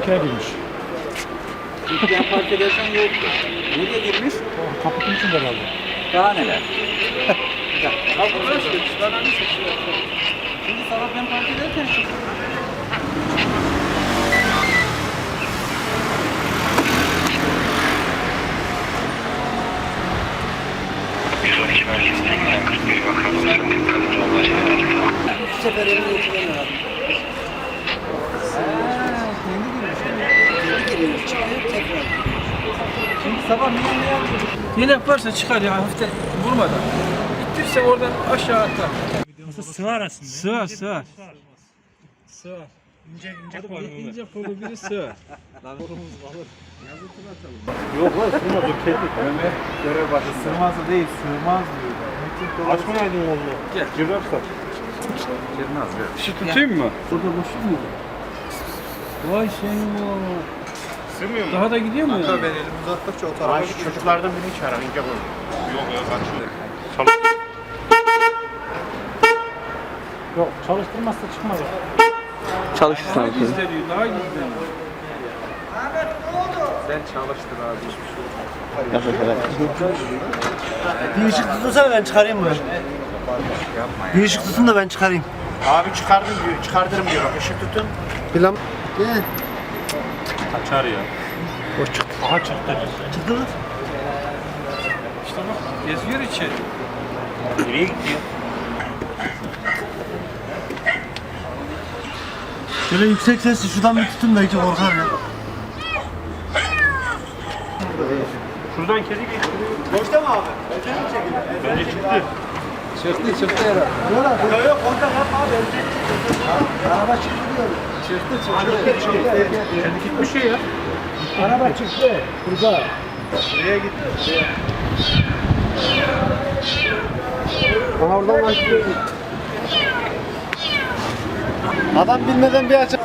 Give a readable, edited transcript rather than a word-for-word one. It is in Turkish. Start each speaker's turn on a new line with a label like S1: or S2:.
S1: arkaya girmiş.
S2: Yan park edersen yoktu. Nereye girmiş?
S1: Kaputun içinde kaldı.
S2: Daha neler? Şimdi sabah ben park ederken
S3: Bu sefer elini geçiren abi. Kendi giriyor, çıkıyor, tekrar.
S2: şimdi sabah niye yaptın?
S4: Yelek varsa çıkar ya hafiften vurmadan. İttirse oradan aşağı atlar.
S1: Sığar aslında.
S4: Sığar sığar.
S1: Sığar. İnce
S4: Hadi ince kolu biri sığar.
S1: Yok lan sığmaz o kedi. Ömer görev başı. Sığmazı değil sığmaz diyor. Açmayaydın oğlum.
S4: Gel.
S1: Girersen.
S2: Girmez ya.
S4: Şu tutayım mı?
S1: Burada boşluk mu?
S4: Vay senin o.
S1: Sığmıyor mu?
S4: Daha da gidiyor mu ya?
S2: Ben elimi uzattıkça o tarafa
S1: Şu çocuklardan birini çağırın ince koy. Yok ya kaçıyor. Yok çalıştırmazsa çıkmaz.
S5: Çalışırsın
S4: Daha
S5: abi.
S4: gizleniyor, daha gizleniyor.
S2: Sen çalıştın abi hiçbir şey olmaz.
S5: Yapacak
S3: Bir ışık tutunsana ben çıkarayım bunu. Bir ışık tutun da ben çıkarayım.
S1: Abi çıkardım diyor, çıkardırım diyor. Bak ışık tutun.
S3: Plan. Ne?
S1: Kaçar ya. O çıktı. Aha çıktı.
S3: Çıktı mı?
S4: İşte bak geziyor içeri.
S1: Nereye gidiyor?
S3: Şöyle yüksek sesli şuradan bir tutun da hiç korkar ya.
S1: Şuradan kedi geçti.
S3: Boşta mı abi?
S1: Bence çıktı.
S4: Çıktı herhalde.
S3: Yok yok kontak yapma abi. Araba çıktı diyorum.
S1: Kedi gitmiş ya.
S3: Araba çıktı. Burada.
S1: Nereye gitti?
S3: Bana oradan açtı. Adam bilmeden bir açık